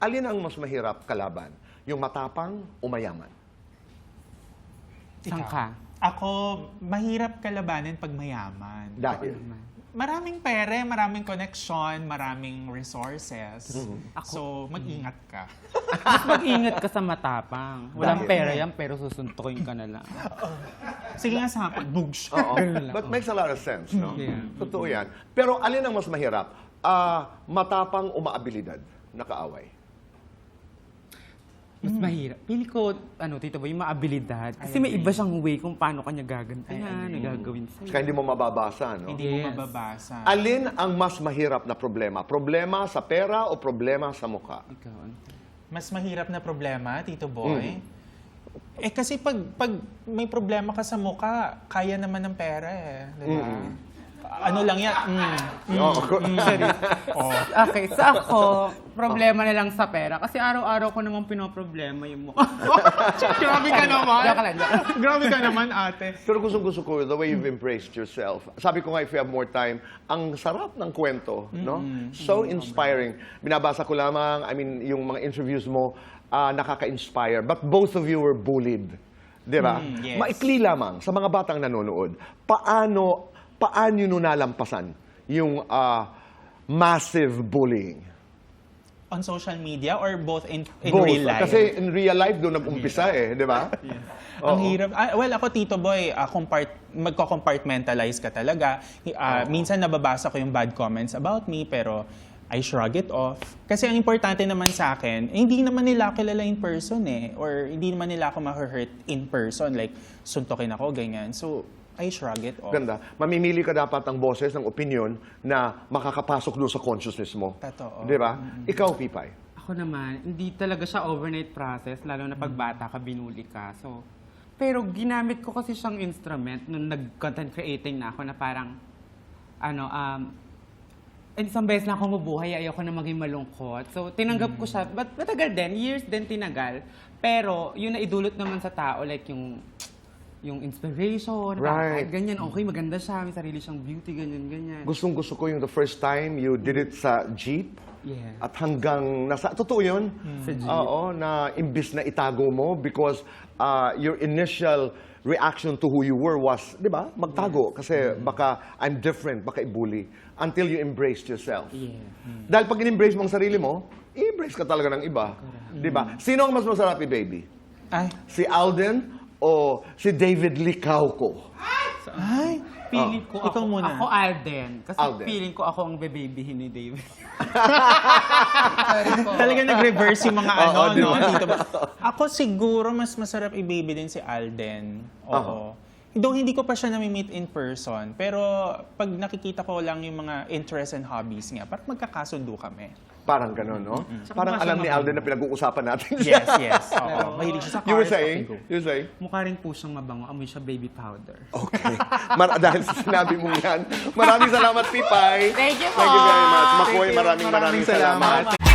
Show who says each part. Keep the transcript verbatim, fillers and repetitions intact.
Speaker 1: alin ang mas mahirap kalaban? Yung matapang o mayaman?
Speaker 2: Saan ka?
Speaker 3: Ako, mahirap kalabanin pag mayaman.
Speaker 1: Dahil?
Speaker 3: Maraming pere, maraming connection, maraming resources.
Speaker 1: Mm-hmm.
Speaker 3: So, mag-ingat ka.
Speaker 2: Mas mag-ingat ka sa matapang. Walang
Speaker 1: Dahil?
Speaker 2: pera yan, pero susuntukin ka na lang.
Speaker 3: Sige nga sa akin, bugs.
Speaker 1: Oo.
Speaker 2: Ganun lang.
Speaker 1: But makes a lot of sense, no?
Speaker 2: Yeah.
Speaker 1: Totoo yan. Pero alin ang mas mahirap? Ah, matapang o maabilidad na kaaway?
Speaker 2: Mas mahirap. Pili ko, ano, Tito Boy, yung maabilidad. Kasi may iba siyang way kung paano kanya gagantihan, nagagawin sa'yo.
Speaker 1: Kaya hindi mo mababasa, no?
Speaker 3: Hindi mo
Speaker 2: Yes.
Speaker 3: mababasa.
Speaker 1: Alin ang mas mahirap na problema? Problema sa pera o problema sa mukha?
Speaker 2: Ikaw, ano?
Speaker 3: Mas mahirap na problema, Tito Boy.
Speaker 1: Mm.
Speaker 3: Eh kasi pag, pag may problema ka sa mukha, kaya naman ng pera eh. Diba? Ano lang yan? Mm.
Speaker 1: Oo.
Speaker 3: Oh.
Speaker 2: Okay, sa ako, problema na lang sa pera. Kasi araw-araw ko naman pinoproblema yung mukha.
Speaker 3: Grabe ka naman.
Speaker 2: Joke lang, joke lang.
Speaker 3: Grabe ka naman, ate.
Speaker 1: Pero gustong-gusto ko, the way you've embraced yourself. Sabi ko nga, if you have more time, ang sarap ng kwento, no? So inspiring. Binabasa ko lamang, I mean, yung mga interviews mo, ah, nakaka-inspire. But both of you were bullied. Di ba?
Speaker 3: Mm, yes.
Speaker 1: Maikli lamang sa mga batang nanonood. Paano, paano nyo nalampasan yung ah, massive bullying?
Speaker 3: On social media or both in, in
Speaker 1: Both.
Speaker 3: real life?
Speaker 1: Kasi in real life, doon nag-umpisa eh, di ba?
Speaker 3: Ang
Speaker 1: Oo.
Speaker 3: hirap. Ah, well, ako, Tito Boy, uh, compart- magko-compartmentalize ka talaga. Ah, minsan nababasa ko yung bad comments about me, pero I shrug it off. Kasi ang importante naman sa akin, eh, hindi naman nila ako kilala in person eh. Or hindi naman nila ako ma-hurt in person. Like, suntokin ako, ganyan. So, I shrug it off.
Speaker 1: Ganda. Mamimili ka dapat ng boses, ng opinion na makakapasok doon sa consciousness mo.
Speaker 3: Totoo.
Speaker 1: Di ba? Ikaw, Pipay.
Speaker 2: Ako naman, hindi talaga siya overnight process, lalo na pag bata ka, binuli ka. So, pero ginamit ko kasi siyang instrument nung nag-content creating na ako na parang, ano, um, isang beses na ako mabuhay, ayoko na maging malungkot. So, tinanggap ko siya. But matagal din, years din tinagal. Pero, yun na idulot naman sa tao, like yung yung inspiration,
Speaker 1: Right.
Speaker 2: kahit ganyan, okay, maganda siya, may sarili siyang beauty, ganyan, ganyan.
Speaker 1: Gustong gusto ko yung the first time you did it sa jeep
Speaker 2: Yeah.
Speaker 1: at hanggang nasa... Totoo yun?
Speaker 2: Sa jeep.
Speaker 1: Oo, na imbis na itago mo because uh, your initial reaction to who you were was, di ba, magtago. Kasi baka I'm different, baka i-bully. Until you embraced yourself.
Speaker 2: Yeah.
Speaker 1: Dahil pag in-embrace mo ang sarili mo, i-embrace ka talaga ng iba. Di ba? Sino ang mas masarap i-baby?
Speaker 3: Ay,
Speaker 1: Si Alden o si David Licauco?
Speaker 3: ay,
Speaker 2: Feeling ko
Speaker 3: Ikaw
Speaker 2: ako,
Speaker 3: muna.
Speaker 2: ako Alden. Kasi
Speaker 1: Alden.
Speaker 2: feeling ko ako ang bebabyhin ni David.
Speaker 3: talaga nag-reverse yung mga ano,
Speaker 1: Oo, di
Speaker 3: no?
Speaker 1: ba?
Speaker 3: Dito ba? Ako siguro mas masarap i-baby din si Alden. Oo. Though hindi ko pa siya nami-meet in person, pero pag nakikita ko lang yung mga interests and hobbies niya, parang magkakasundo kami.
Speaker 1: Parang gano'n, no?
Speaker 2: Saka
Speaker 1: Parang
Speaker 2: mukha
Speaker 1: alam
Speaker 2: siyang
Speaker 1: ni Alden na pinag-uusapan natin
Speaker 3: Yes, yes. Oo. Mahilig siya sa cars.
Speaker 1: You were saying?
Speaker 3: okay, go.
Speaker 1: You were saying?
Speaker 2: Mukha rin po siyang mabango. Amoy siya baby powder.
Speaker 1: Okay. Mar- dahil sa sinabi mong yan, maraming salamat, Pipay.
Speaker 2: Thank you po!
Speaker 1: Thank you very much.
Speaker 3: Thank
Speaker 1: Makoy,
Speaker 3: you.
Speaker 1: maraming maraming
Speaker 3: Maraming salamat.
Speaker 1: salamat.